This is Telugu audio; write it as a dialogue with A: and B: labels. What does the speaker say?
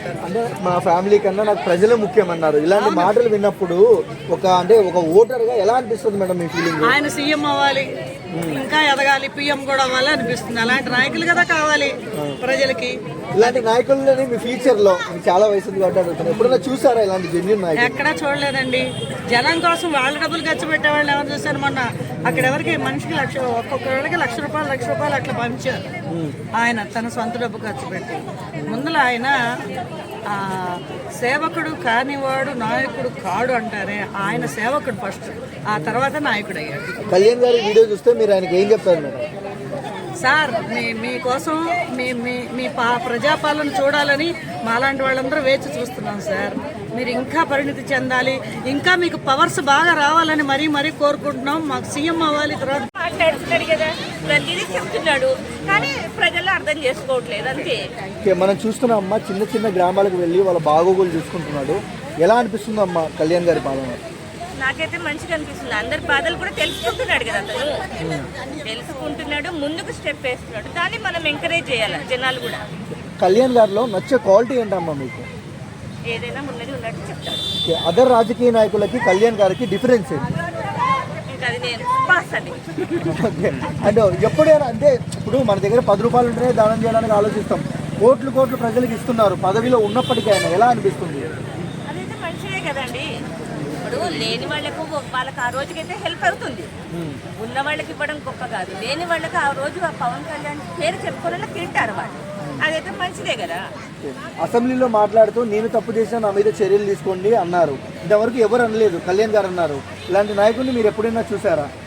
A: సార్.
B: అంటే మా ఫ్యామిలీ కన్నా నాకు ప్రజలే ముఖ్యమన్నారు. ఇలాంటి మాటలు విన్నప్పుడు ఒక ఓటర్గా ఎలా అనిపిస్తుంది మేడం మీ ఫీలింగ్?
A: ఆయన సీఎం అవ్వాలి, ఇంకా ఎదగాలి, పిఎం కూడా అవ్వాలి అనిపిస్తుంది. అలాంటి నాయకులు కదా కావాలి ప్రజలకి.
B: ఇలాంటి నాయకులని మీ ఫ్యూచర్ లో మీకు చాలా వయసు ఉంది కాబట్టి అడుగుతాను, ఎప్పుడైనా చూసారా ఇలాంటి జెన్యూన్ నాయకులు?
A: ఎక్కడా చూడలేదండి. జనం కోసం వాళ్ళ డబ్బులు ఖర్చు పెట్టేవాళ్ళు ఎవరు చూశారు? మొన్న అక్కడ ఎవరికి మనిషికి ఒక్కొక్కరికి లక్ష రూపాయలు అట్లా పంచారు ఆయన తన సొంత డబ్బు ఖర్చు పెట్టి. ముందుల ఆయన సేవకుడు కానివాడు నాయకుడు కాడు అంటారే, ఆయన సేవకుడు ఫస్ట్, ఆ తర్వాత నాయకుడు అయ్యాడు.
B: కళ్యాణ్ గారి వీడియో చూస్తే మీరు ఆయనకి ఏం చెప్తారు మేడం?
A: సార్ మీకోసం మీ ప్రజాపాలన చూడాలని మాలాంటి వాళ్ళందరూ వేచి చూస్తున్నాం సార్. మీరు ఇంకా పరిణితి చెందాలి, ఇంకా మీకు పవర్స్ బాగా రావాలని మరీ కోరుకుంటున్నాం. మాకు సీఎం అవ్వాలి. తర్వాత
C: మాట్లాడుతున్నాడు కదా, ప్రతిదీ చెప్తున్నాడు, కానీ ప్రజలు అర్థం చేసుకోవట్లేదు అంతే.
B: మనం చూస్తున్నాం అమ్మా, చిన్న చిన్న గ్రామాలకు వెళ్ళి వాళ్ళ బాగోగులు చూసుకుంటున్నాడు. ఎలా అనిపిస్తుంది అమ్మా కళ్యాణ్ గారి పాలన?
C: నాకైతే మంచిగా అనిపిస్తుంది. అందరి బాధలు కూడా తెలుసుకుంటున్నాడు కదా అతను, తెలుసుకుంటున్నాడు, ముందుకు స్టెప్ వేస్తున్నాడు. కానీ మనం ఎంకరేజ్ చేయాలి జనాలు కూడా.
B: కళ్యాణ్ గారిలో నచ్చే క్వాలిటీ ఏంటమ్మా మీకు?
C: ఏదైనా ఉన్నది ఉన్నట్టు చెప్తాడు.
B: అదర్ రాజకీయ నాయకులకి కళ్యాణ్ గారికి డిఫరెన్స్ ఏంటి?
C: ఇంకా అది నేను పాస్ అది.
B: అంటే ఎప్పుడైనా అంటే ఇప్పుడు మన దగ్గర 10 రూపాయలు ఉంటేనే దానం చేయడానికి ఆలోచిస్తాం. కోట్లు ప్రజలకు ఇస్తున్నారు, పదవిలో ఉన్నప్పటికీ ఆయన ఎలా అనిపిస్తుంది?
C: అదైతే మంచిదే కదండి. ఇప్పుడు లేని వాళ్ళకు ఆ రోజుకైతే హెల్ప్ అవుతుంది. ఉన్న వాళ్ళకి ఇవ్వడం గొప్ప కాదు, లేని వాళ్ళకి ఆ రోజు ఆ పవన్ కళ్యాణ్ పేరు చెప్పుకోవాలని తింటారు వాళ్ళు. అదైతే మంచిదే కదా.
B: అసెంబ్లీలో మాట్లాడుతూ నేను తప్పు చేసినా నా మీద చర్యలు తీసుకోండి అన్నారు. ఇంతవరకు ఎవరు అనలేదు, కళ్యాణ్ గారు అన్నారు. ఇలాంటి నాయకుడిని మీరు ఎప్పుడైనా చూసారా?